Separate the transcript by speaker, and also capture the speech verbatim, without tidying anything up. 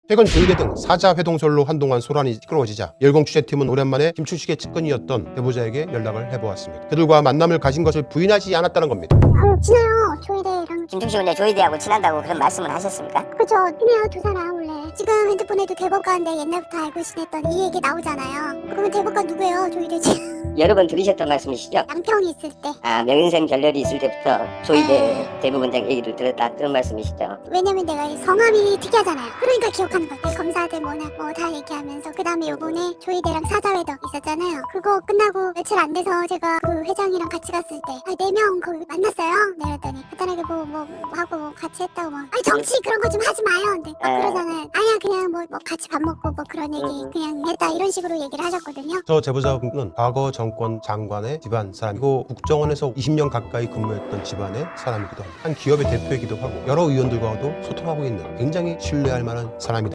Speaker 1: 최근 조이대 등 사자 회동설로 한동안 소란이 시끄러워지자 열공 취재팀은 오랜만에 김춘식의 측근이었던 대보자에게 연락을 해보았습니다. 그들과 만남을 가진 것을 부인하지 않았다는 겁니다.
Speaker 2: 아, 친해요. 조이대랑.
Speaker 3: 김충식은 내 조이대하고 친하다고 그런 말씀을 하셨습니까?
Speaker 2: 그죠. 친해요. 두 사람 원래. 지금 핸드폰에도 대법관인데 옛날부터 알고 지냈던 이 얘기 나오잖아요. 그러면 대법관 누구예요? 조이대지.
Speaker 3: 여러 번 들으셨던 말씀이시죠?
Speaker 2: 양평이 있을 때.
Speaker 3: 아, 명인생 결렬이 있을 때부터 조이대
Speaker 2: 네.
Speaker 3: 대법원장 얘기를 들었다 그런 말씀이시죠?
Speaker 2: 왜냐면 내가 이 성함이 특이하잖아요. 그러니까 기억하는 거야. 검사들 뭐나 뭐 다 얘기하면서. 그 다음에 요번에 조이대랑 사자회도 있었잖아요. 그거 끝나고 며칠 안 돼서 제가 그 회장이랑 같이 갔을 때 아, 네 명 거기 만났어요. 네, 그랬더니 간단하게 뭐, 뭐, 뭐 하고 뭐 같이 했다고 뭐 아니 정치 그런 거 좀 하지 마요. 근데 막
Speaker 3: 에.
Speaker 2: 그러잖아요. 아니야 그냥 뭐, 뭐 같이 밥 먹고 뭐 그런 얘기
Speaker 3: 음.
Speaker 2: 그냥 했다 이런 식으로 얘기를 하셨거든요.
Speaker 1: 저 제보자분은 과거 정권 장관의 집안 사람이고 국정원에서 이십 년 가까이 근무했던 집안의 사람이기도 합니다. 한 기업의 대표이기도 하고 여러 의원들과도 소통하고 있는 굉장히 신뢰할 만한 사람이다.